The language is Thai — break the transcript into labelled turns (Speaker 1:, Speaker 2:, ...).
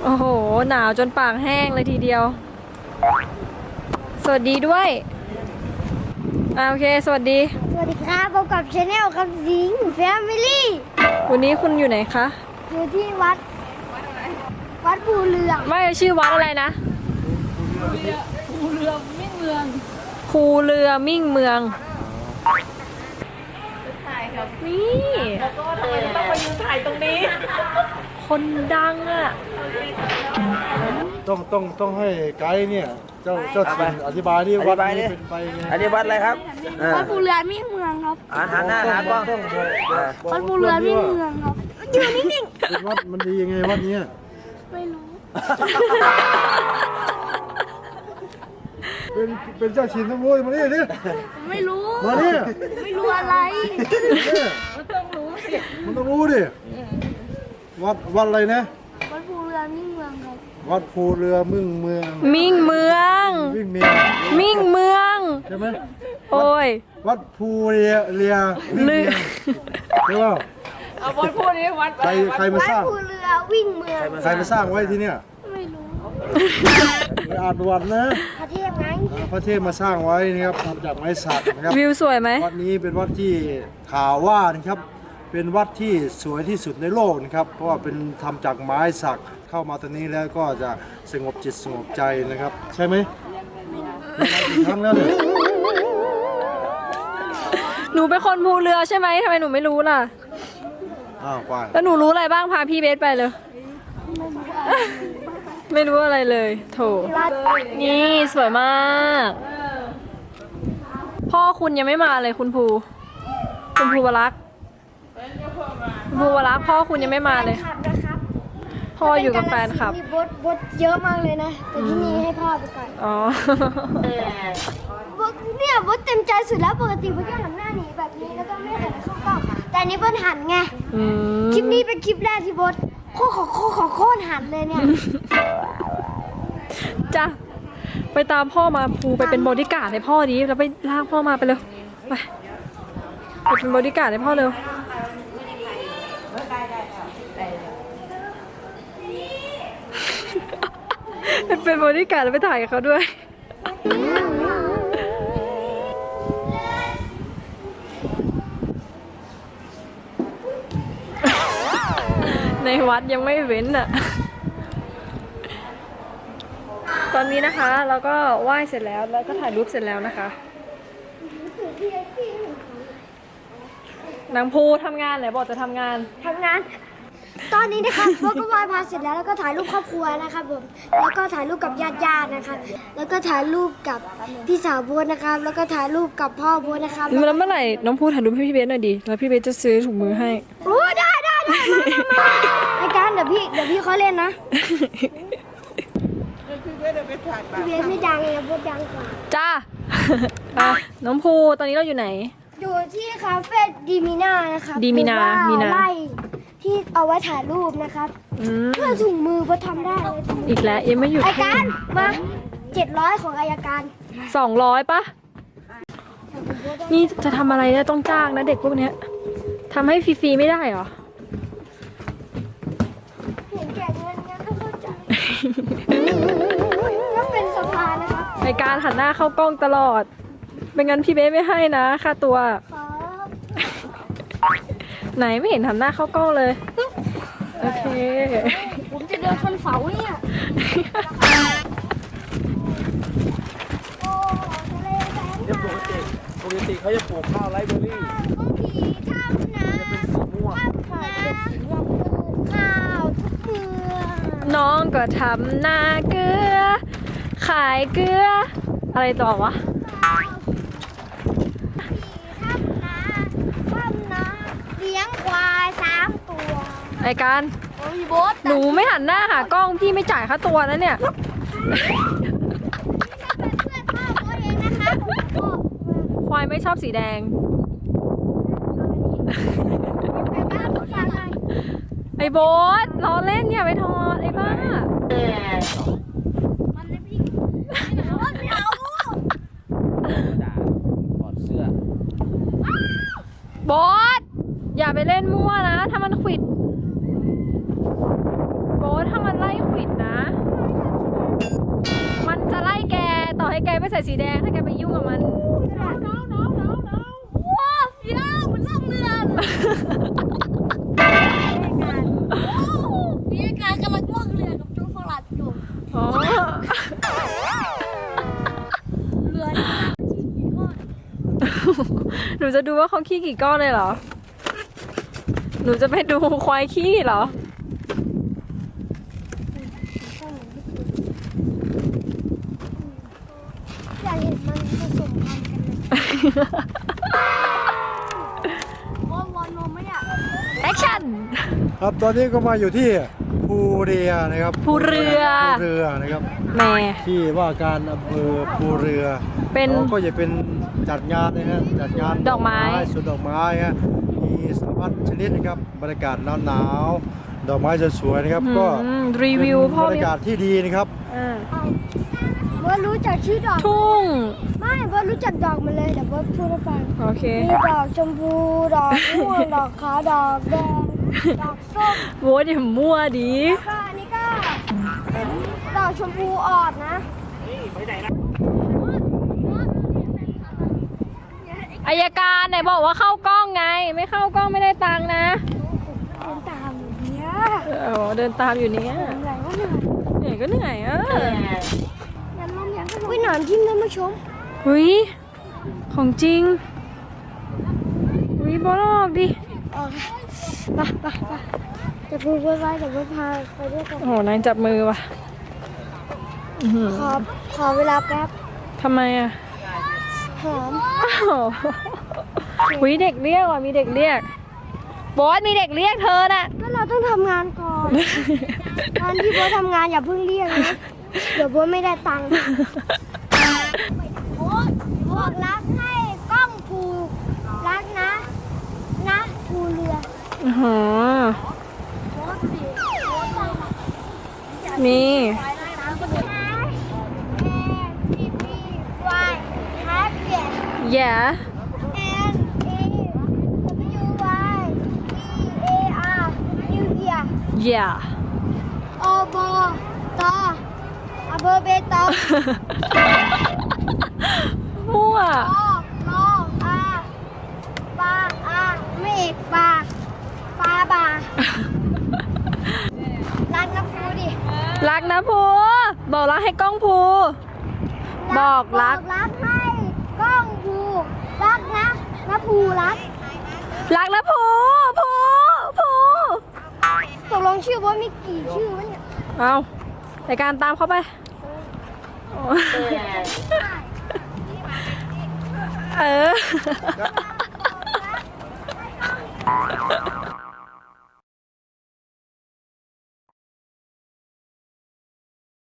Speaker 1: โอ้โหหนาวจนปากแห้งเลยทีเดียวสวัสดีด้วยโอเคสวัสดี
Speaker 2: ครับพบกับชาแนลครับสิงแฟมิลี่
Speaker 1: วันนี้คุณอยู่ไหนคะ
Speaker 2: อยู่ที่วัดภูเรือง
Speaker 1: ไม่ชื่อวัดอะไรนะภูเรือมิ่งเมืองถ่ายครับนี่แล้วก็ทำไมต้องมายืนถ่ายตรงนี้คนดังอ่ะ
Speaker 3: ต้องให้ไกด์เนี่ยเจ้าถิ่นอธิบายที่วัดนี้เป็นไปไง
Speaker 4: อันนี้วัดอะไรครับ
Speaker 2: วัดภูเรือมิ่งเมืองครับ
Speaker 4: หันหน้าหากล้อง
Speaker 2: วัดภูเรือมิ่งเมืองครับอยู่นิ่งๆ
Speaker 3: เป็นวัดมันดียังไงวัดนี้
Speaker 2: ไม่รู้
Speaker 3: เป็นเจ้าถิ่นต้องรู้มานี่ดิ
Speaker 2: ไม่รู้
Speaker 3: มานี่
Speaker 2: ไม่รู้อะไร
Speaker 3: มันต้องรู้ดิวัดอะไรนะ
Speaker 2: วัดภูเรือมิ่งเมืองครับ
Speaker 3: วัดภูเรือมิ่งเมืองใช่ไหม
Speaker 1: โอ้ย
Speaker 3: วัดภูเรือมิ่งเมืองใช่ป่ะ
Speaker 1: เอาบอลพูดนี้วัด
Speaker 3: ใครมาสร้าง
Speaker 2: วัดภูเรือวิ่งเมือง
Speaker 3: ใครมาสร้างไว้ที่เนี่ย
Speaker 2: ไม่รู้
Speaker 3: ไปอ่านประวัตินะ
Speaker 2: พระเทพไง
Speaker 3: พระเทพมาสร้างไว้นะครับทำจากไม้สักนะครับ
Speaker 1: วิวสวยไหม
Speaker 3: วัดนี้เป็นวัดที่ข่าวว่านะครับเป็นวัดที่สวยที่สุดในโลกนะครับเพราะว่าเป็นทำจากไม้สักเข้ามาตรงนี้แล้วก็จะสงบจิตสงบใจนะครับใช่ไหมกี่ครั้งแล้วเนี่ย
Speaker 1: หนูเป็นคนภูเรือใช่ไหมทำไมหนูไม่รู้ล่ะ
Speaker 3: ไป
Speaker 1: แล้วหนูรู้อะไรบ้างพาพี่เบสไปเลยไม่รู้อะไรเลยโถนี่สวยมากพ่อคุณยังไม่มาเลยคุณภูวรักษ์พ่อคุณยังไม่มาเลยพ่ออยู่กับแฟนครับ
Speaker 2: บทเยอะมากเลยนะแต่ที่นี่ให้พ่อไปก่อน
Speaker 1: อ๋อบ
Speaker 2: ทเนี่ยบทเต็มใจสุดแล้วปกติบทก็หันหน้าหนีแบบนี้แล้วก็ไม่หันเข้ากล้องแต่อันนี้บทหันไงคลิปนี้เป็นคลิปแรกที่บทโคตรหันเลยเนี่ย
Speaker 1: จ้ะไปตามพ่อมาภูไปเป็นบอดี้การ์ดให้พ่อดีแล้วไปลากพ่อมาไปเลยไปเป็นบอดี้การ์ดให้พ่อเร็วเป็นบอดี้การ์ดแล้วไปถ่ายกับเขาด้วยในวัดยังไม่เว้นอ่ะตอนนี้นะคะเราก็ไหว้เสร็จแล้วก็ถ่ายรูปเสร็จแล้วนะคะนางภูทำงานไหนบอกจะทำงาน
Speaker 2: ตอนนี้นะคะพวกก็ไหว้พระเสร็จแล้วก็ถ่ายรูปครอบครัวนะครับผมแล้วก็ถ่ายรูปกับญาตินะครับแล้วก็ถ่ายรูปกับพี่สาวโบ๊ทนะครับแล้วก็ถ่ายรูปกับพ่อโบ๊ทนะครับ
Speaker 1: แล้วเมื่อไหร่น้องภูถ่ายรูปให้พี่เบสหน่อยดิแล้วพี่เบสจะซื้อถุงมือให้
Speaker 2: โอ้ได้มาไอ้การเดี๋ยวพี่เขาเล่นนะพี่เบสไม่ดังเลยโบ๊ทดังกว่า
Speaker 1: จ้าน้องภูตอนนี้เราอยู่ไหน
Speaker 2: อยู่ที่คาเฟ่ดีมิน่านะคะ
Speaker 1: ดีมินา
Speaker 2: ไล่ที่เอาไว้ถ่ายรูปนะครับเพื่อถุงมือพอทำได้เลย
Speaker 1: อีกแล้วยังไม่หยุด
Speaker 2: อายการมา700ของอายการ
Speaker 1: 200ปะนี่จะทำอะไรเนี่ยต้องจ้างนะเด็กพวกเนี้ยทำให้ฟรีๆไม่ได้หรอ
Speaker 2: เห็นแก่เงินงั้นก็เข้าใจต้องเป็นสภานะคะ
Speaker 1: ในการหันหน้าเข้ากล้องตลอดไม่งั้นพี่เบสไม่ให้นะค่าตัวไหนไม่เห็นหันหน้าเข้ากล้องเลยโอเค
Speaker 2: ผมจะเดินชนเสาเนี่ย
Speaker 4: ปกติเขาจะปลูกข้าวไรเบอรี่
Speaker 2: ข้าวทุกเมือง
Speaker 1: น้องก็ทำนาเกลือขายเกลืออะไรต่อวะ
Speaker 2: เลี้ยงควาย3 ตัว
Speaker 1: ไอ้การหนูไม่หันหน้าหากล้องพี่ไม่จ่ายค่าตัวนะเนี่ยควายไม่ชอบสีแดงไอ้โบ๊ทล้อเล่นอย่าไปทอดไอ้บ้าโบ๊ทอย่าไปเล่นมั่วนะถ้ามันขวิดโบ๊ทถ้ามันไล่ขวิดนะ มันจะไล่แกต่อให้แกไม่ใส่สีแดงถ้าแกไปยุ่งกับมัน
Speaker 2: ว้าวเสียวมันล่องเรือมีการกำลังล่องเรือกับจูฟลัดอยู่
Speaker 1: อ๋อ
Speaker 2: เรือนี่กี่ก้อน
Speaker 1: หนูจะดูว่าเขาขี้กี่ก้อนเลยเหรอ หนูจะไปดูควายขี้เหรอ
Speaker 2: อยากเห็นมันผสมพันธุ์กันเลยวนนมไหมเนี่ย
Speaker 1: แอคชั่น
Speaker 3: ครับตอนนี้ก็มาอยู่ที่ภูเรือนะครับ
Speaker 1: ภูเรือ
Speaker 3: ภูเรือนะครับ
Speaker 1: แหม่
Speaker 3: ที่ว่าการอำเภอภูเรือ
Speaker 1: เป็น
Speaker 3: ก็จะเป็นจัดงานนะฮะจัดงาน
Speaker 1: ดอกไม้
Speaker 3: สวนดอกไม้ฮะมีสารพัดชนิดนะครับบรรยากาศหนาวๆดอกไม้สวยๆนะครับก็
Speaker 1: รีวิวพ่อ
Speaker 3: เป็นบรร
Speaker 1: มี
Speaker 3: ยากาศที่ดีนะครับ
Speaker 1: อ่า
Speaker 2: เบิร์ดรู้จักชื่อดอก
Speaker 1: ทุ่ง
Speaker 2: ไม่เบิร์ดรู้จักดอกมันเลยเดี๋ยวเบิร์ดพูดให้ฟัง
Speaker 1: โอเค
Speaker 2: มีดอกชมพู ดอกม่วง ดอกขาวดอกแดง ดอกส้ม
Speaker 1: โว้ยอย่ามั่วดี
Speaker 2: แล้วก็อันนี้ก็ดอกชมพูอ่อนนะ
Speaker 1: อายการไหนบอกว่าเข้ากล้องไง ไม่เข้ากล้องไม่ได้ตังค์นะ
Speaker 2: เดินตามอยู่เนี่ย
Speaker 1: เดินตามอยู่เนี้ย
Speaker 2: เหนื่อยก็เหนื่อย
Speaker 1: เหนื่อยก็เหนื่อยอ่ะ
Speaker 2: ยันลมยันอุ้ยหนอนทิ่มเลยมาชม
Speaker 1: เฮ้ยของจริงเฮ้ยบอลออกดิ
Speaker 2: ไปจะพูดไว้เดี๋ยวเบิร์ดพาไปด้วยกัน
Speaker 1: โอ้โหนายจับมือว่ะอื้อหือ
Speaker 2: ขอเวลาแป๊บ
Speaker 1: ทำไมอ่ะ
Speaker 2: หอม
Speaker 1: อ้าวหุยเด็กเรียกว่ะมีเด็กเรียกบอสมีเด็กเรียกเธอน่ะ
Speaker 2: ก็เราต้องทำงานก่อนตอนที่เบิร์ดทำงานอย่าเพิ่งเรียกนะเดี๋ยวเบิร์ดไม่ได้ตังค์บอกรักให้กล้องภูรักนะภูเรือ
Speaker 1: อื้อหือมี yeah yeah
Speaker 2: อบตอำเภอเบตง
Speaker 1: มั่ว
Speaker 2: มออาปาอาไม่เอกปาบารักนะฟูดิ
Speaker 1: รักนะภูบอกรักให้กล้องภูบอกรัก
Speaker 2: รักให้กล้องภูรักนะภูรัก
Speaker 1: รักนะภู
Speaker 2: ตกลงชื่อว่ามีกี่ชื่อวะเนี่ย
Speaker 1: เอาในการตามเขาไปเออ